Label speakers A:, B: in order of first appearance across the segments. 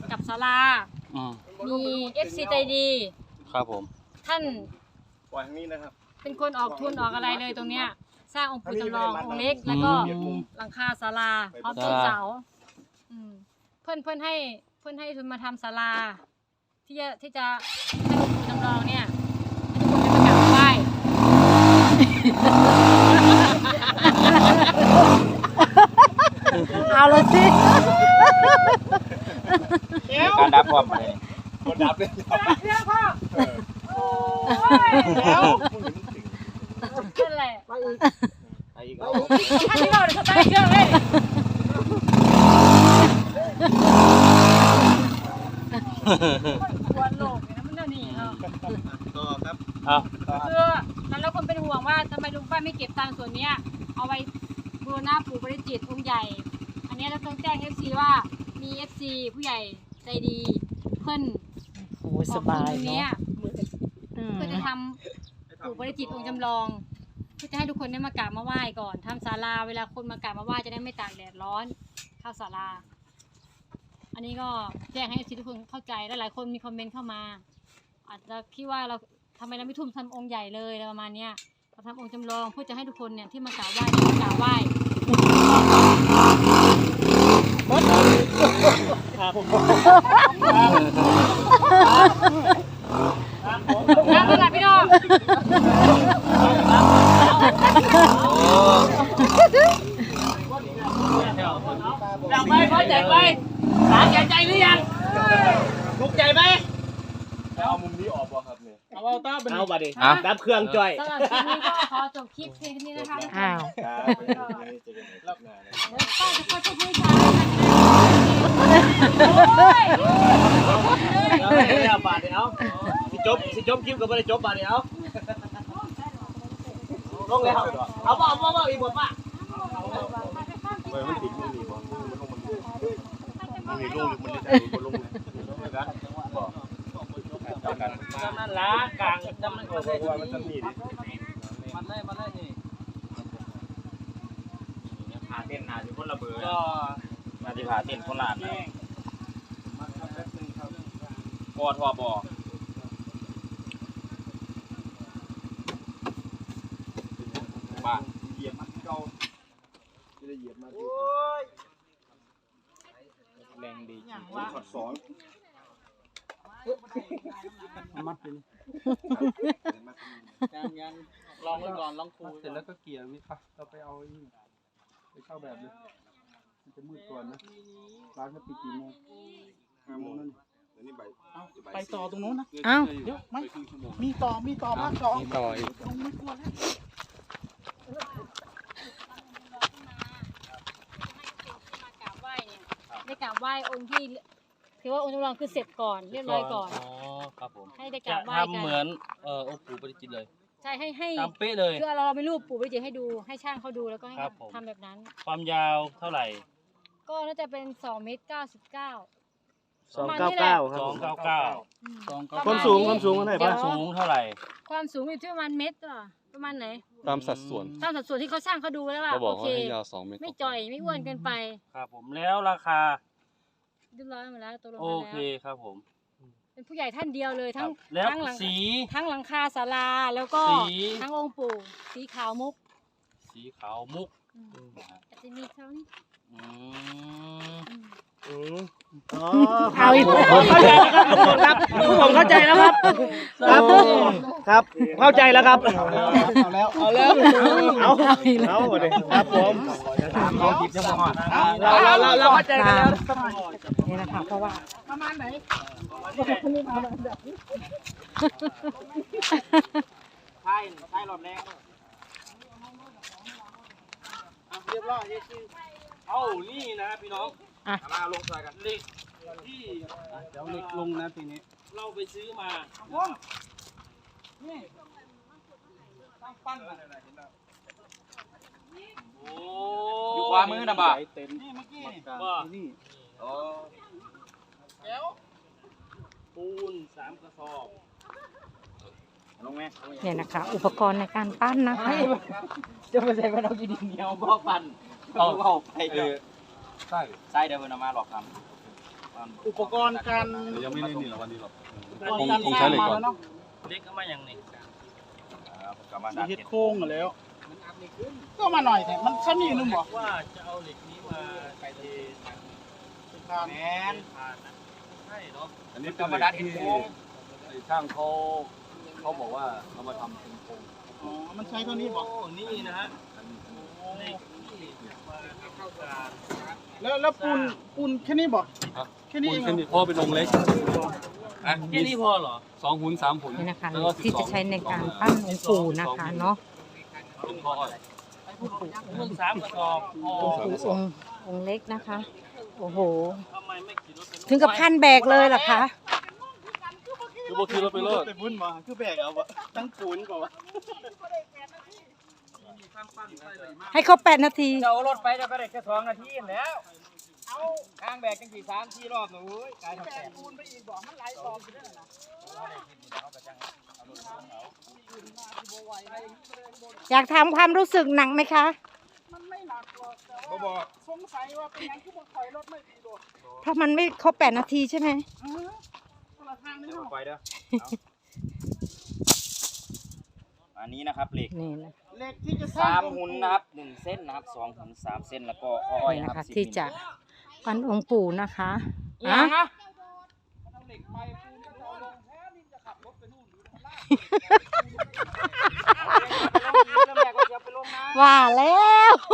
A: กับศาลามี FC ใจดี
B: ครับผม
A: ท่าน
C: ปล่อยทางนี้นะครับ
A: เป็นคนออกทุนออกอะไรเลยตรงเนี้ยสร้างองค์ปู่จำลององค์เล็กแล้วก็หลังคาศาลาพร้อมต้นเสาเพื่อนให้ทุนมาทำศาลาที่จะให้องค์ปู่จำลองเนี่ยให้ทุกคนได้มากราบไหว้
D: เอาละสิ
B: การดับความเลย
C: คนดับเลย
A: เรื่องพ่อโอ้ยแล้วเป็นไรไปอีกท่านที่เราเดี๋ยวเขาไปเครื่องเลยควรโลกนะมันเดี๋ยวนี้
C: ต่อครับ
A: คือแล้วคนเป็นห่วงว่าทำไมลุงป้าไม่เก็บตังค์ส่วนนี้เอาไว้บูรณะปู่บริจิตรองค์ใหญ่อันนี้เราต้องแจ้ง FC ว่ามี FC ผู้ใหญ่ใจดีเพิ่น
D: โอ้สบายเนาะ
A: เพื่อจะทำปู่บริจิตรองค์จำลองเพื่อจะให้ทุกคนได้มากราบมาไหว้ก่อนทำศาลาเวลาคนมากราบมาไหว้จะได้ไม่ตากแดดร้อนเข้าศาลาอันนี้ก็แจ้งให้ FC ทุกคนเข้าใจและหลายคนมีคอมเมนต์เข้ามาอาจจะคิดว่าเราทำไมเราไม่ทุ่มทำองค์ใหญ่เลยอะไรประมาณเนี้ยเราทำองค์จำลองเพื่อจะให้ทุกคนเนี่ยที่มากราบไหว้ได้มากราบไหว้น้ำระดับพี่น้องอยากไปพอใจไปหาใจหรือยังลุกใจไหม
C: เอามุมนี้ออกป่ะครับเนี่ย
B: เอาต้าเป็นเอาบัดดิ
A: ดับเครื่องจ่อยสำหรับคลิปนี้ก็ขอจบคลิปเพียงนี้นะคะ
D: อ้าว
A: ป้าจะขอจบให้ชายโอ้ย
B: เอาบาดเดียวสิจบคลิปก็ไม่ได้จบบาดเดียวลงเลยครับเอาบ่อีกบ่ป้า
C: ไปมันติดมือหนีบ่มันมีลูกมันจะลงกันบอก
B: นั่นละกลางจำมันก็ได้
C: มันจะมีดิ
B: มันได้นี่หาเต้นหาอยู่คนละเบอร์ก็มาที่หาเต้นคนละนะกอทอบอบ้า
C: เหยียบมันเก่าจะได้เหยียบมาดิ
B: แรงดี
C: ขัดสอน
B: มัดไปเลยยังลองก่อนลองคูเสร็จแล้วก็เกี่ยววิค่ะเราไปเอาไปเข้าแบบเลยมันจะมืดก่อนนะร้านเขาปิดกี่โมง5 โมงนั่น
C: นี่
B: ไปต่อตรงนู้นนะ
D: อ้าว
B: เดี๋ยวไม่มีต่อมากต่อมีต่ออีกลงไม่กลัวแล้ว
A: ได้กราบไหว้องค์ที่ถือว่าองค์จำลองคือเสร็จก่อนเรียบร้อยก่อน
B: อ๋อครับผม
A: ให้ได้กราบไหว้กัน
B: ทำเหมือนองค์ปู่บริจิตรเลย
A: ใช่ให้
B: ทำเป๊ะเลย
A: คือเราไม่รูปปู่บริจิตรให้ดูให้ช่างเขาดูแล้วก็ให้ทำแบบนั้น
B: ความยาวเท่าไหร่
A: ก็น่าจะเป็น2 เมตร 99
D: 299ครับ
B: 299
C: ความสูงเท่าไหร่
B: ความสูงเท่าไหร่
A: ความสูงอยู่ที่ประมาณเมตรประมาณไหน
E: ตามสัดส่วน
A: ที่เขาช่างเขาดูแล้วว่า
E: โอเคยาว2 เมตร
A: ไม่จ่อยไม่อ้วนเกินไป
B: ครับผมแล้วราคา
A: เรียบร้อยหมดแล้วตกลง
B: โอเคครับผม
A: เป็นผู้ใหญ่ท่านเดียวเลยทั้ง
B: สี
A: ทั้งหลังคาศาลาแล้วก็ทั้งองค์ปู่สีขาวมุกอาจจะมีเขานี่
D: เอาอีกผมเข้าใจแล้วครับ
B: ครับเข้าใจแล้วครับ
D: เอาเลย
B: ครับผมเราหยิบจะหมดเราเข้าใจกันแล้ว
D: นี่นะคะเพราะว่า
A: ประมาณไหน
B: ใช่หลอดแรงเรียบร้อยเอานี่นะพี่น้องมาลงใส่กันเหล็กที่เดี๋ยวเหล็กลงนะทีนี้เราไปซื้อมานี่ตั้งปั้นอะไรเห็นไหมโอ้อยู่ขวามือนะบ่านี่เมื่อกี้นี่อ๋อแล้วปูน3 กระสอบลงไหม
D: เนี่ยนะคะอุปกรณ์ในการปั้นนะคะ
B: จะไปใส่เป็นเอากี่ดินเหนียวบ่ปั้นเอาไปใช่เดี๋ยวมันเอามาหลอกทำ
D: อุปกรณ์การ
C: ยังไม่ได้นี่หรอวันนี้หรอก
D: อุปกรณ์การสร้างมาแล้วเนาะ
B: เล็กก็มาอย่างนี้
D: เฮ็ดโค้งมาแล้ว ก็มาหน่อยแต่มันชั้นนี่นึงบอก
B: ว่าจะเอาเหล็กนี้มาไปเท
D: การ
B: แมนใช่เนาะ
C: อันนี้เป็นเหล็กที่ช่างเขาบอกว่าเขามาทำเป็นโครง
D: อ๋อมันใช้เท่านี้บอก
B: โอ้นี่นะฮะเหล็กที่มาเข้าการ
D: แล้วปูนแค่นี้บอกแค่นี้
E: คุ
D: เอ
E: ณ
D: ง
E: แค่นี้พ่อเป็นองค์เล็กอ่ะ
B: แค่นี้พอเหรอ
E: 2 หุ่น 3 หุ่น
F: นี่นะคะ
E: แล้วก็
F: ที่จะใช้ในการปั้นองค์ปู่นะคะเนาะ
E: เป็นพ่ออ้อย
B: เพิ่ง3 กระสอบพอ
F: องค์ปู่องค์เล็กนะคะ โอ้โห
B: ทำไมไม่ขี่รถไป
F: ถึงกับขั้นแบกเลยเหรอคะ
E: คือบ่คือเราไปเลิศ
D: ไปบุญมาคือแบกเอาวะตั้งปูนก่อนวะ
F: ให้เขา8 นาที
B: เดี๋ยวรถไปจะไปได้แค่2 นาทีแล้วเอาทางแบกจังสี่3 4 รอบนะเว้ยกายทำแบก
D: ปูนไปอีกบอกมันไหลออกอยู่ด้วยนะ
F: อยากถามความรู้สึกหนักไหมคะ
D: มันไม่หนักหรอกแต่ว่าสงสัยว่าเป็นยังที่บนถอยรถไม่ดีโดด
F: เพราะมันไม่ครบ8 นาทีใช่ไหม
D: คนละทางนี่เหรอ
B: ไปเด้ออันนี้นะครับเหล็ก
F: นี่นะ
D: เหล็กที่จะสร้าง
B: 3 หุ่นนะครับ1 เส้นนะครับ2 หุ่น3 เส้นแล้วก็อ้อย
F: นี่
B: นะ
F: นะ
B: ครั
F: คะ
B: บ
F: ที่จะปั้นองค์ปู่นะคะ
B: อ่ะ
F: อ่ะ
D: เอาเหล็กไปปูนก็จะเอาลงแท้นี่จะขับรถไปนู่นอยู่ข้างล่าง
F: ว่าแล้ว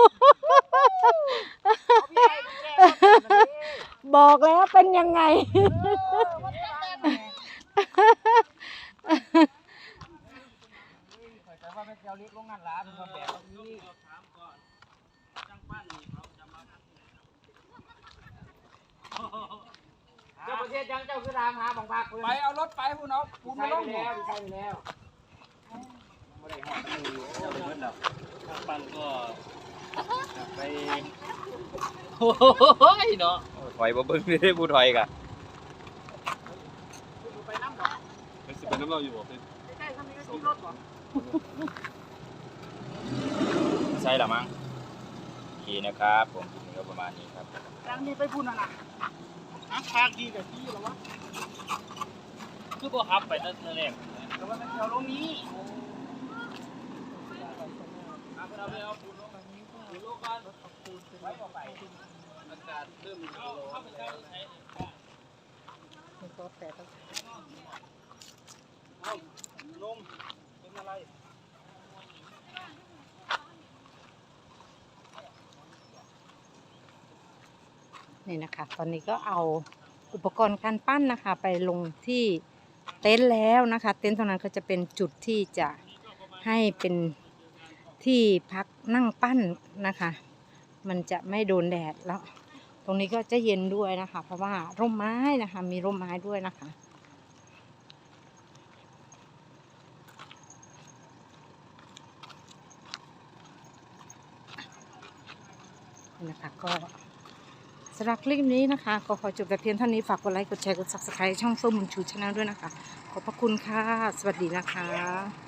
F: บอกแล้วเป็นยังไง
B: เจ้าประเทศยังเจ้าคือทางหาบังคับ
D: ไปเอารถไปพูนเอาปูนมาลง
B: แล้วใช่แล้วปันก็ไปโอ้ยเนาะถอยบ่เบิ่งได้ผู้ถอยกะ
E: เป็นสิเป็นน้ำเราอยู่บ่เป็น
B: ใช่หรอมั้งโอเคนะครับผมคลิปนี้ก็ประมาณนี้ครับ
D: ยังมีไปพูนอ่ะนะทางดีกับที่หรอวะ
B: คือบ่ครับไปตั้งแต่แรก
D: แต่ว่ามันแถวลงนี้
B: เอาไปเอาปูนลงมานี้ปูนลงก่อนไว้ต่อไปอากาศเริ่มเข้าไปใช้
D: ลงเป็นอะไร
F: นี่นะคะ ตอนนี้ก็เอาอุปกรณ์การปั้นนะคะ ไปลงที่เต็นท์แล้วนะคะ เต็นท์ตรงนั้นก็จะเป็นจุดที่จะให้เป็นที่พักนั่งปั้นนะคะ มันจะไม่โดนแดดแล้ว ตรงนี้ก็จะเย็นด้วยนะคะ เพราะว่าร่มไม้นะคะ มีร่มไม้ด้วยนะคะนี่นะคะก็สำหรับคลิปนี้นะคะก็ขอจบแต่เพียงเท่านี้ฝากกดไลค์กดแชร์กด Subscribe ช่องเฟิร์มบุญชูชาแนลด้วยนะคะขอบพระคุณค่ะ สวัสดีนะคะ